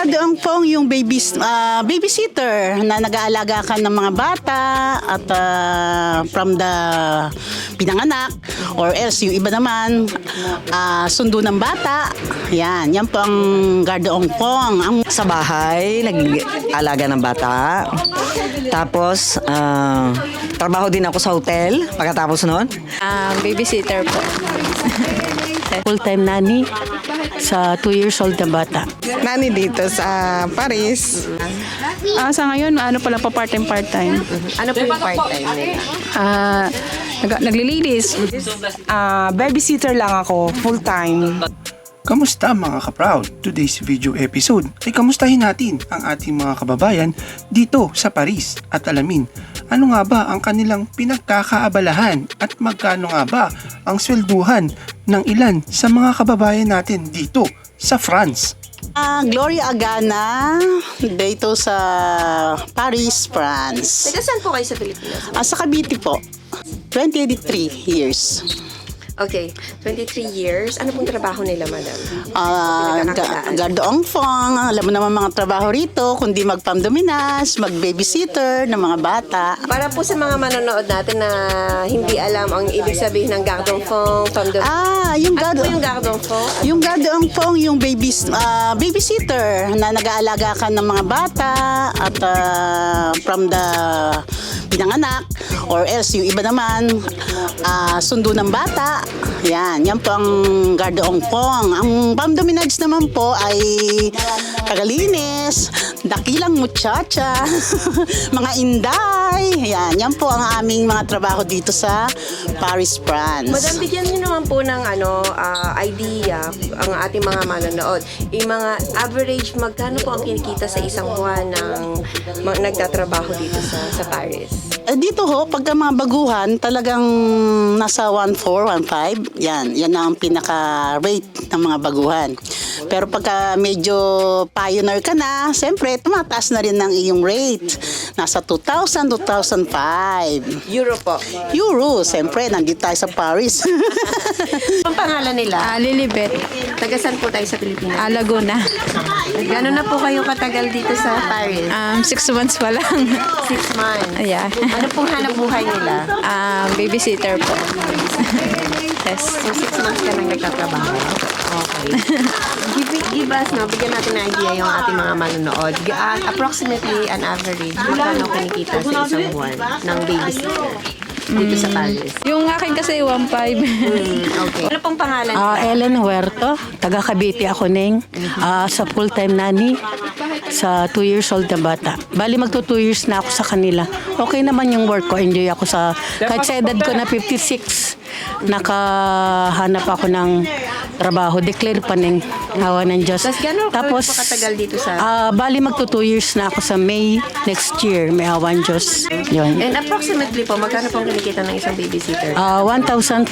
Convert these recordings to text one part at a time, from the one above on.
gardeong pong yung babysitter na nag-aalaga ka ng mga bata at from the pinanganak or else yung iba naman sundo ng bata. Yan po ang gardeong pong. Sa bahay, nag-alaga ng bata. Tapos, trabaho din ako sa hotel pagkatapos noon. Babysitter po. Full-time nanny sa 2 years old na bata. Nani dito sa Paris. Sa ngayon, pala pa part-time. Ano po yung part-time nila? Naglilinis. Babysitter lang ako, full-time. Kamusta mga ka-proud? Today's video episode ay kamustahin natin ang ating mga kababayan dito sa Paris at alamin ano nga ba ang kanilang pinagkakaabalahan at magkano nga ba ang swelduhan ng ilan sa mga kababayan natin dito sa France. Gloria Agana dito sa Paris, France. Taga saan po kayo sa Pilipinas? Sa Cavite po. 23 years. Okay, 23 years. Ano pong trabaho nila, madam? Gardoong fong, alam mo naman mga trabaho rito, kundi mag-pamdominas, mag-babysitter ng mga bata. Para po sa mga manonood natin na hindi alam ang ibig sabihin ng gardong fong, Yung ano po yung gardong fong? Yung gardoong fong, yung babysitter na nag-aalaga ka ng mga bata at from the pinanganak or else yung iba naman sundo ng bata. Yan po ang gardoong pong. Ang pamdominage naman po ay kagalinis, dakilang muchacha, mga inday. Yan po ang aming mga trabaho dito sa Paris, France. Madam, bigyan niyo naman po ng idea ang ating mga manonood. Yung mga average, magkano po ang kinikita sa isang buwan ng nagtatrabaho dito sa Paris? Dito ho, pagka mga baguhan, talagang nasa 1.4, 1.5. Yan na ang pinaka-rate ng mga baguhan. Pero pagka medyo pioneer ka na, siyempre, tumataas na rin ng iyong rate. Nasa 2,000, 2,005. Euro po. Euro, siyempre, nandito tayo sa Paris. Ang pangalan nila? Lilibet. Taga saan po tayo sa Pilipinas? Laguna. Gano'n na po kayo katagal dito sa Paris? 6 months pa lang. 6 months. Yeah. Ano pong hanap buhay nila? Babysitter po. Yes. So, 6 months ka nang nagtatrabaho. Okay. Give us, bigyan natin ng idea yung ating mga manonood. Approximately, an average, magkano kinikita sa isang buwan ng babysitter dito sa Paris? Yung akin kasi 1.5. Okay. Ano pong pangalan? Ellen Huerto, taga Cavite ako ning sa full-time nanny sa 2 years old na bata. Bali magto 2 years na ako sa kanila. Okay naman yung work ko, enjoy ako kahit sa edad ko na 56, nakahanap ako ng trabaho, declare pa ng hawa ng Diyos. Tapos katagal dito sa... bali magto 2 years na ako sa May next year, may hawa ng Diyos. Yun. And approximately po, magkano pong kinikita ng isang babysitter? 1,500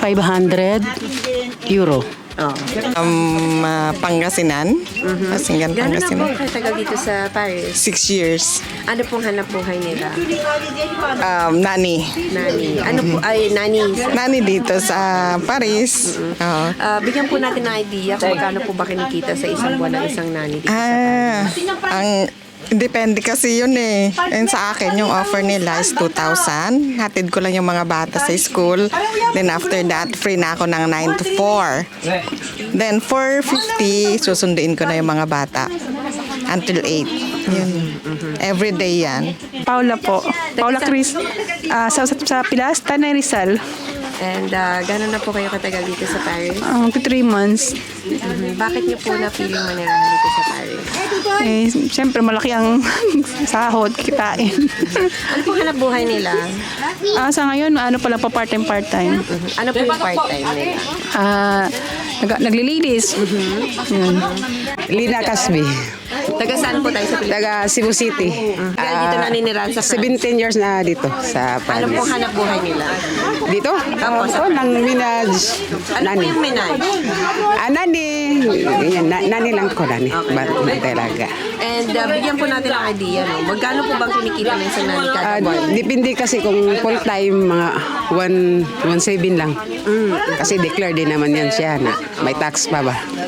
euro. Pangasinan. Pasinggan, Gano'n na po Pangasinan. katagal dito sa Paris? 6 years. Ano pong hanap buhay nila? Nani. Nani. Ano po? Ay, nani. Nani dito sa Paris. Oo. Bigyan po natin ng idea kung magkano po ba kinikita sa isang buwan ng isang nani dito sa Paris. Depende kasi yun eh. And sa akin, yung offer nila is 2,000. Hatid ko lang yung mga bata sa school. Then after that, free na ako ng 9 to 4. Then 450, susunduin ko na yung mga bata until 8. Yun. Every day yan. Paula po. Paula Chris. Sa Pilasta na Rizal. And gano'n na po kayo katagal dito sa Paris? 3 months. Bakit niyo po na-feeling manirahan dito sa Paris? Siyempre malaki ang sahod, kitain. Ano po hanap buhay nila? Sa ngayon, pala pa part-time. Ano po yung part-time nila? Naglilinis. Yun. Lina Casby, Taga saan po tayo sa Pilipinas? taga Cebu City. Kaya dito naninirahan sa France? 17 years na dito sa Ano Paris. pong hanap buhay nila? Dito? Tapos, Nang minaj. Ano po yung menage? Nani. Yan, nani lang ko, nani. Talaga. And bigyan po natin ng idea, no? Magkano po bang kinikita ng isang nani kada buwan? Depende kasi kung full time, mga 1.7 lang. Kasi declare din naman yan siya na may tax pa ba.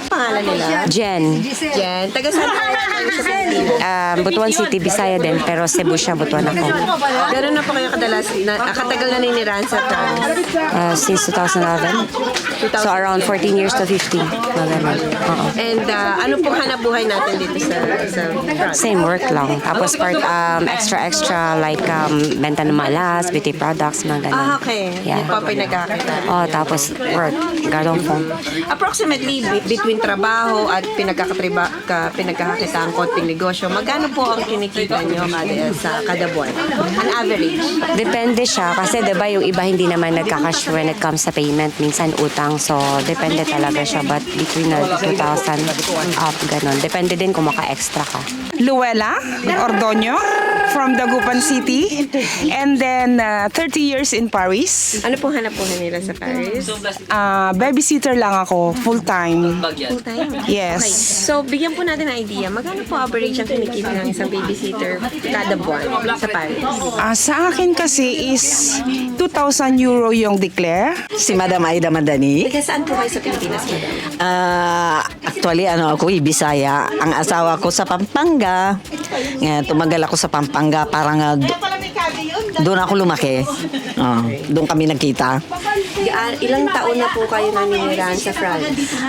Pangalan nila? Jen. Jen. Taga saan kayo sa Pilipinas? Butuan City, Bisaya din, pero Cebu siya, Butuan ako. Gano'n na po kayo katagal na ninirahan sa France? Since 2011. So around 14 years to 15. Mga ganun. Oo. And ano pong hanap buhay natin dito sa France? Same work lang. Tapos part extra like benta ng malas, beauty products, mga ganun. Okay. Yeah. Yung pa pinagkakita. Oh, tapos work. Garden phone. Approximately between trabaho at pinagkakakita ang konting negosyo, magkano po ang kinikita nyo kada buwan? An average? Depende siya kasi 'di ba yung iba hindi naman nagka-cash when it comes sa payment, minsan utang. So depende talaga siya, but between 2,000 up ganun. Depende din kung maka-extra ka. Luella Ordoño from Dagupan City. And then 30 years in Paris. Ano pong hanap buhay nila sa Paris? Babysitter lang ako, full-time. Full time? Yes. Okay. So, bigyan po natin ng idea. Magkano po average ang kinikita ng isang babysitter kada buwan sa Paris? Sa akin kasi is 2,000 euro yung declare. Si Madam Aida Madani. Taga saan po kayo sa Pilipinas, madam? Actually, ako, Bisaya. Ang asawa ko sa Pampanga. Tumagal ako sa Pampanga. Parang doon ako lumaki. Doon kami nagkita. Ilang taon na po kayo naninirahan sa France?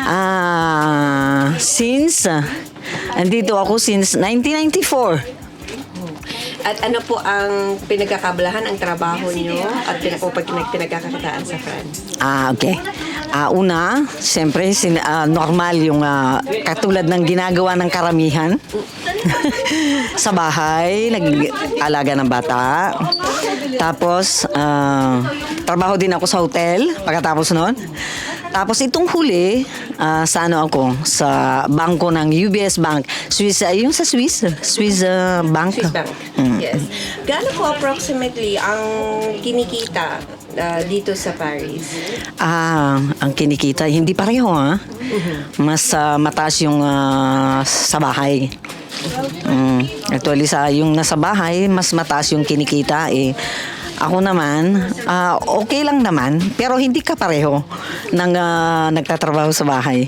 Since, andito ako since 1994. At ano po ang pinagkakabalahan, ang trabaho nyo at pinagkakakitaan sa France? Okay. Una, siyempre, normal yung katulad ng ginagawa ng karamihan. Sa bahay, nag-alaga ng bata. Tapos, trabaho din ako sa hotel pagkatapos nun. Tapos itong huli, sa bangko ng UBS Bank. Swiss Bank. Swiss Bank. Yes. Gaano po approximately ang kinikita dito sa Paris? Ang kinikita, hindi pareho Mas mataas yung sa bahay. Actually, yung nasa bahay, mas mataas yung kinikita Ako naman, okay lang naman, pero hindi ka pareho ng nagtatrabaho sa bahay.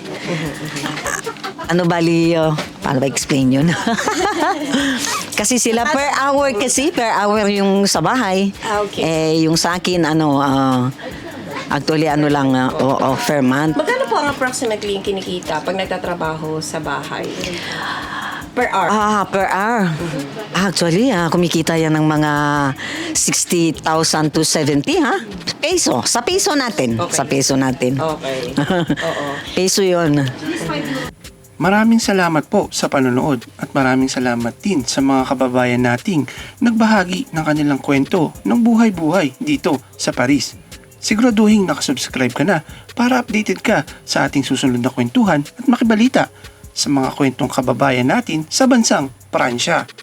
Paano ba explain yun? Kasi sila per hour yung sa bahay. Okay. Yung sa akin, actually, per month. Magkano po ang approximately yung kinikita pag nagtatrabaho sa bahay? Per hour? Per hour. Actually, kumikita yan ng mga 60,000 to 70, Peso. Sa peso natin. Okay. Sa peso natin. Okay. Oo. Peso yun. Maraming salamat po sa panonood at maraming salamat din sa mga kababayan nating nagbahagi ng kanilang kwento ng buhay-buhay dito sa Paris. Siguraduhin nakasubscribe ka na para updated ka sa ating susunod na kwentuhan at makibalita sa mga kwentong kababayan natin sa bansang Pransya.